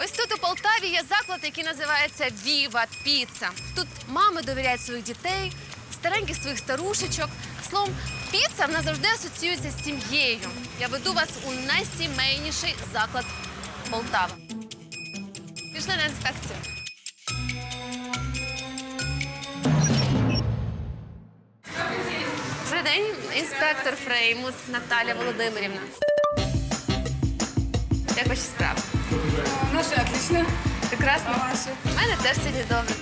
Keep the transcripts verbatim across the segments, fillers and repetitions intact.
Ось тут у Полтаві є заклад, який називається Віва Піца. Тут мами довіряють своїх дітей, стареньких своїх старушечок. Словом, піца в нас завжди асоціюється з сім'єю. Я веду вас у найсімейніший заклад Полтави. Пішли на інспекцію. Добрий день, інспектор Фреймус Наталя Володимирівна. Як ваші справи? Наши отлично. Прекрасно. А ваші? У мене теж сьогодні добре.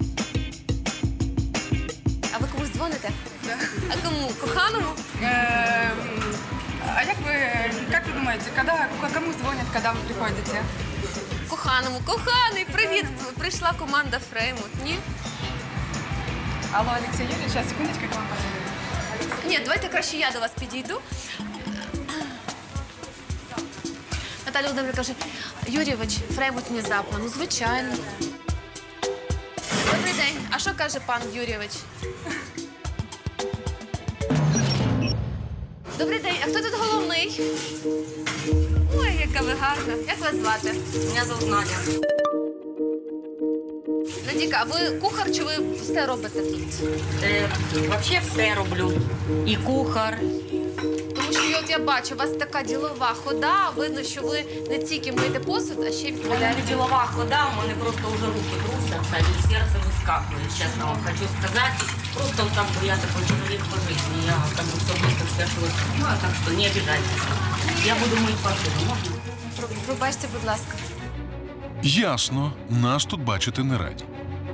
А ви комусь дзвоните? Да. А кому? Коханому? Эм, А як ви, как вы думаете, когда, кому звонят, когда вы приходите? Коханому. Коханий, привіт! Прийшла команда Фреймут. Ні? Алло, Алексей Юрьевич, сейчас, секундочку, к вам позвоню. Ні, давайте краще я до вас підійду. Наталя Володимирівна каже, Юрійович, Фреймут внезапно. Ну, звичайно. Добрий день. А що каже пан Юрійович? Добрий день. А хто тут головний? Ой, яка ви гарна. Як вас звати? Меня зовут Надя. Надіка, а ви кухар чи ви все робите тут? Е, вообще все роблю. І кухар. Тому що от я бачу, у вас така ділова хода, видно, що ви не тільки миєте посуд, а ще й У мене відповідаєте. ділова хода, у мене просто вже руки трусяться і серце вискакує, чесно вам хочу сказати. Просто там я такой чоловік по житті, я там все быстро серце вискакую, так що не обижайтесь. Я буду мити посуду, можна? Пробачте, будь ласка. Ясно, нас тут бачити не раді.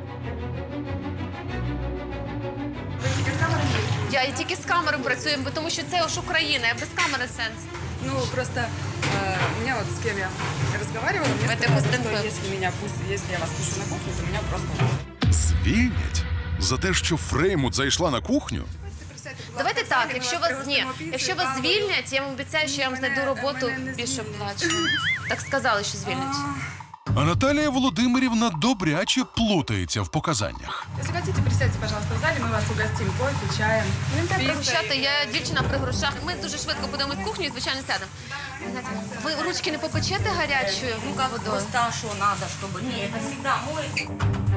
Я і тільки з камерою працюю, бо тому що це ж Україна, а без камери сенс. Ну, просто э, у меня вот с кем я разговаривала, мне Это сказали, Костенко. что если меня пусть, если я вас пущу на кухню, то меня просто... Звільнять? За те, що Фреймут зайшла на кухню? Давайте так, якщо вас ні, якщо вас звільнять, я вам обіцяю, що я вам знайду роботу мене не більш звільнять. оплачену. Так сказали, що звільнять. А Наталія Володимирівна добряче плутається в показаннях. Если хотите, присядьте, пожалуйста, в зале, мы вас угостим кофе, чаем. Не треба пиццей. пригощати, я дівчина при грошах. Ми дуже швидко будемо з кухні і, звичайно, сядемо. Ви ручки не попечете гарячою водою? Просто а що надо, щоб... Ні, це завжди моється.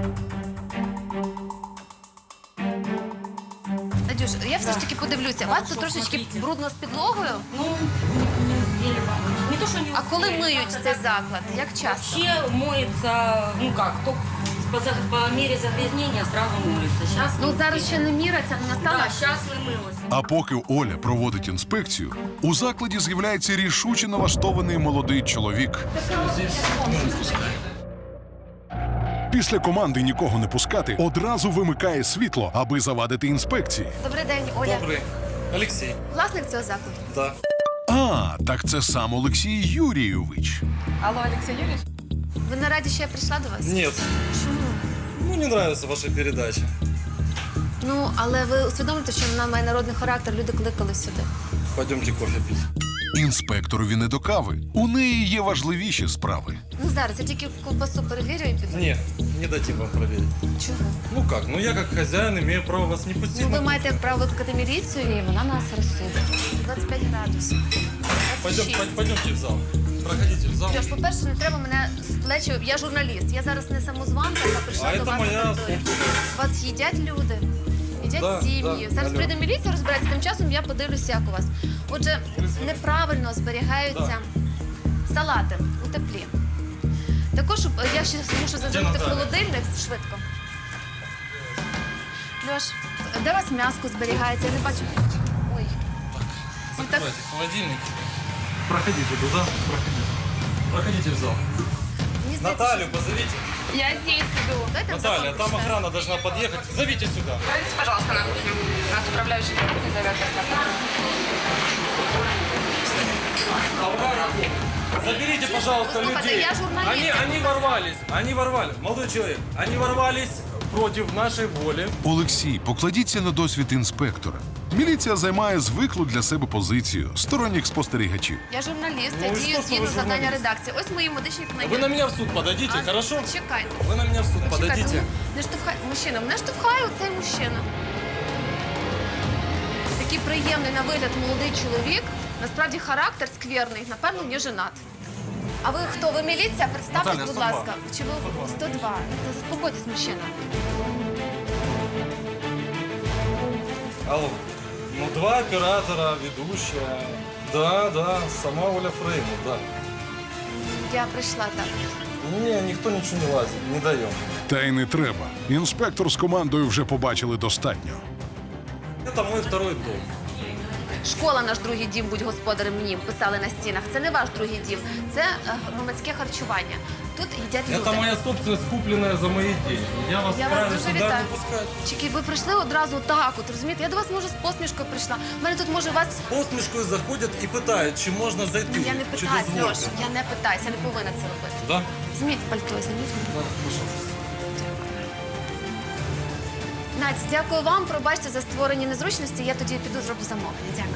Надюш, я все ж таки подивлюся. У вас тут що, трошечки смотрите. брудно з підлогою. Ну, не успели помыть. Не то, что не А коли успели, миють надо цей так. заклад? Як часто? Вообще моется, ну как, только по, за- по мере загрязнения сразу моется. Сейчас Ну зараз ще не міра, це не настала. Да, сейчас не мылось. А поки Оля проводить інспекцію, у закладі з'являється рішуче налаштований молодий чоловік. Після команди нікого не пускати одразу вимикає світло, аби завадити інспекції. Добрий день, Оля. Добрый. Алексей. Власник цього закладу. Да. А, так це сам Олексій Юрійович. Алло, Алексей Юрьевич? Ви не раді, що я прийшла до вас? Нет. Чому? Ну, не нравится ваша передача. Ну, але ви усвідомлюєте, що вона має народний характер, люди кликали сюди. Пойдемте кофе пить. Інспекторові не до кави. У неї є важливіші справи. Ну зараз я тільки ковбасу перевірю і піду. Нет, не дадим вам проверить. Чого? Ну как, ну я как хозяин имею право вас не пустить Ну на ви маєте кухню. право викликати міліцію, і вона нас розсудить. двадцять п'ять градусів. Пойдем, двадцять шість. пой- пойдемте в зал. Проходите в зал. Льош, по-перше, не треба мене в плечі. Я журналіст. Я зараз не самозванка, яка прийшла А до це вас моя на територію. Вас їдять люди, їдять Да, сім'ї. да, Зараз алло. прийде міліція, розбирається. Тим часом я подивлюся, як у вас. Отже, неправильно зберігаються салати у теплі. Також е, я ще мушу зазирнути в Наталя? холодильник швидко. Льош, де у вас м'яско зберігається? Я не бачу. Ой. Ну, так, Закрывайте холодильник. Проходите туда, проходите. Проходите в зал. мені здається, Наталью позовите. Я здесь иду. Дайте Наталья, там охрана должна подъехать. Зовите сюда. Пожалуйста, пожалуйста, на кухню. Нас управляющий на кухне зовет вас на кухню. Заберите, пожалуйста, Послушайте, людей. я журналист, Они, я они ворвались, они ворвались. Молодой человек, они ворвались против нашей воли. Олексій, покладіться на досвід інспектора. Міліція займає звиклу для себе позицію сторонніх спостерігачів. Я журналіст, Ну я і дію що, що згідно ви завдання журналіст? редакції. Ось мої медичні книги. Вы на меня в суд подадите, А, хорошо? Чекайте. Вы на меня в суд Чекайте, подадите. ну, не штовхай. Мужчина, мене штовхає оцей мужчина. Такий приємний на вигляд молодий чоловік. Насправді характер скверний, напевно, не женат. А ви хто? Ви міліція? Представтесь, Наталя, будь сто два. ласка. Чи ви сто два? Та заспокойтесь, мужчина. Алло. Ну, два оператора, ведущая. Да, да, сама Оля Фрейму, да. Я прийшла так. Не, никто ничего не лазит, не даем. Та й не треба. Інспектор з командою вже побачили достатньо. Это мой второй дом. Школа наш другий дім, будь господарем мені, писали на стінах. Це не ваш другий дім, це е, громадське харчування. Тут їдять люди. Это моя собственность, купленная за мои деньги. Я вас Я вас вправе дуже сюда вітаю. не пускать. Чики, ви прийшли одразу так, от розумієте? Я до вас, може, з посмішкою прийшла. У мене тут, може, вас... Посмішкою заходять і питають, чи можна зайти. Я не чи питаюсь, дозвольте. Льош, я не питаюсь, я не повинна це робити. Да? Зміть пальто, займіть. Да, пожалуйста. Надь, дякую вам, пробачте за створені незручності, я тоді піду зроблю замовлення. Дякую.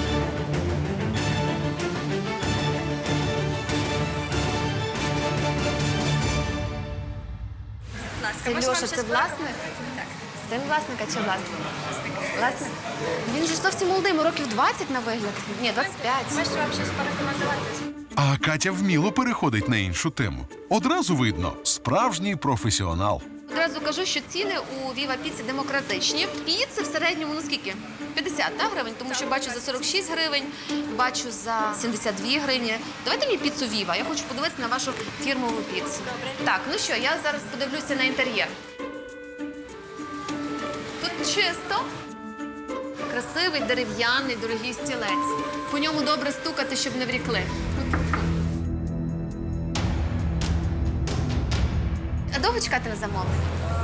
Це Льоша, це власник? Син власника чи власник? Власник. Він же зовсім молодий, йому років двадцять на вигляд. Ні, двадцять п'ять. Можете вам щось порекомендувати? А Катя вміло переходить на іншу тему. Одразу видно – справжній професіонал. Одразу кажу, що ціни у Viva Pizza демократичні. Піци в середньому, ну скільки? п'ятдесят так, гривень, тому що бачу за сорок шість гривень, бачу за сімдесят дві гривні. Давайте мені піцу Viva, я хочу подивитися на вашу фірмову піцу. Так, ну що, я зараз подивлюся на інтер'єр. Тут чисто. Красивий, дерев'яний, дорогий стілець. По ньому добре стукати, щоб не врікли. А довго чекати на замовлення?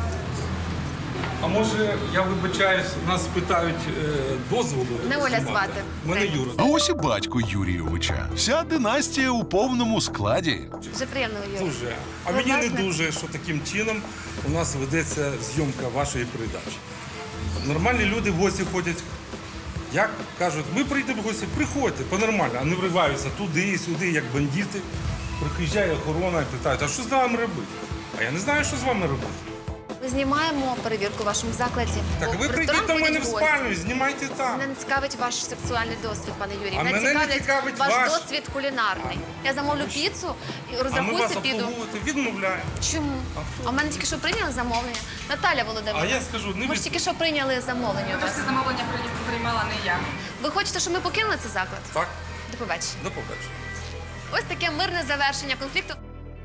А може, я вибачаюсь, нас питають е, дозволу? Не Оля знімати? звати. Мене Юра. А ось і батько Юрійовича. Вся династія у повному складі. Вже приємно, Юрій. Дуже. А Ви мені не власник? дуже, що таким чином у нас ведеться зйомка вашої передачі. Нормальні люди в гості ходять. Як кажуть, ми прийдемо в гості, приходьте, по-нормально, а не вриваються туди і сюди, як бандити. Приїжджає охорона і питають, а що з вами робити? А я не знаю, що з вами робити. Ми знімаємо перевірку в вашому закладі. Так, Бо ви в прийдіть ресторан до мене в ходять гості. спальню, знімайте там. Мене не цікавить ваш сексуальний досвід, пане Юрій. А мене не цікавить цікавить ваш ваш. досвід кулінарний. Я замовлю піцу, і А ми вас розрахуюся, піду. обслуговувати відмовляємо. Чому? А в мене тільки що прийняли замовлення. Наталя А Володимирівна. я скажу, не Ми ж від... тільки що прийняли замовлення у вас. Просто замовлення при- приймала не я. Ви хочете, щоб ми покинули цей заклад? Так, До побачення. до побачення. Ось таке мирне завершення конфлікту.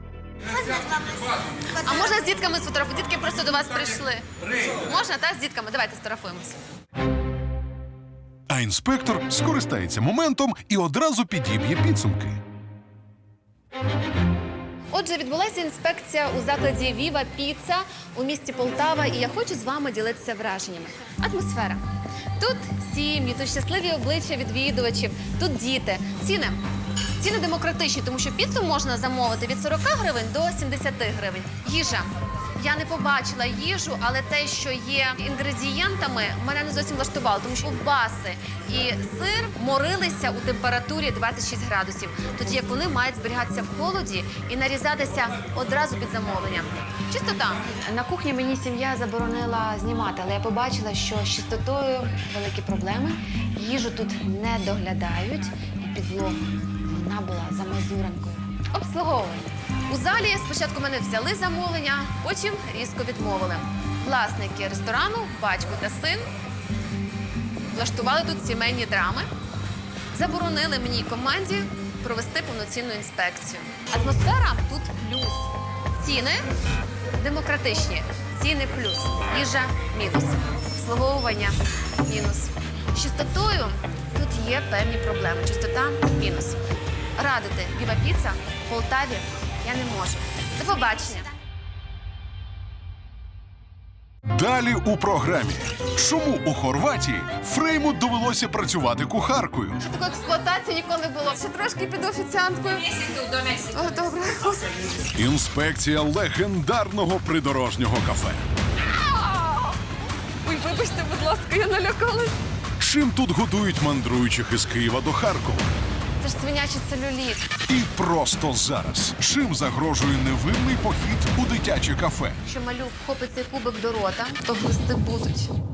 А можна з дітками сфотографувати? Дітки просто до вас прийшли. Можна, так? З дітками? Давайте сфотографуємося. А інспектор скористається моментом і одразу підіб'є підсумки. Отже, відбулася інспекція у закладі Viva Pizza у місті Полтава, і я хочу з вами ділитися враженнями. Атмосфера. Тут сім'ї, тут щасливі обличчя відвідувачів, тут діти. Ціни. Ціни демократичні, тому що піцу можна замовити від сорок гривень до сімдесят гривень. Їжа. Я не побачила їжу, але те, що є інгредієнтами, мене не зовсім влаштувало, тому що ковбаси і сир морилися у температурі двадцять шість градусів, тоді як вони мають зберігатися в холоді і нарізатися одразу під замовлення. Чистота. На кухні мені сім'я заборонила знімати, але я побачила, що з чистотою великі проблеми. Їжу тут не доглядають, і підлога вона була за мазуренкою. Обслуговування. У залі спочатку мене взяли замовлення, потім різко відмовили. Власники ресторану, батько та син, влаштували тут сімейні драми, заборонили мені і команді провести повноцінну інспекцію. Атмосфера тут плюс. Ціни демократичні. Ціни плюс. Їжа мінус. Обслуговування мінус. З чистотою тут є певні проблеми. Чистота мінус. Радити Viva Pizza в Полтаві я не можу. До побачення. Далі у програмі. Чому у Хорватії Фрейму довелося працювати кухаркою? Ще такої експлуатації ніколи не було. Ще трошки піду офіціанткою. О, добре. Інспекція легендарного придорожнього кафе. Ой, вибачте, будь ласка, я налякалась. Чим тут годують мандруючих із Києва до Харкова? Це ж свинячий целюліт. І просто зараз. Чим загрожує невинний похід у дитяче кафе? Якщо малюк хопить цей кубик до рота, то глисти будуть.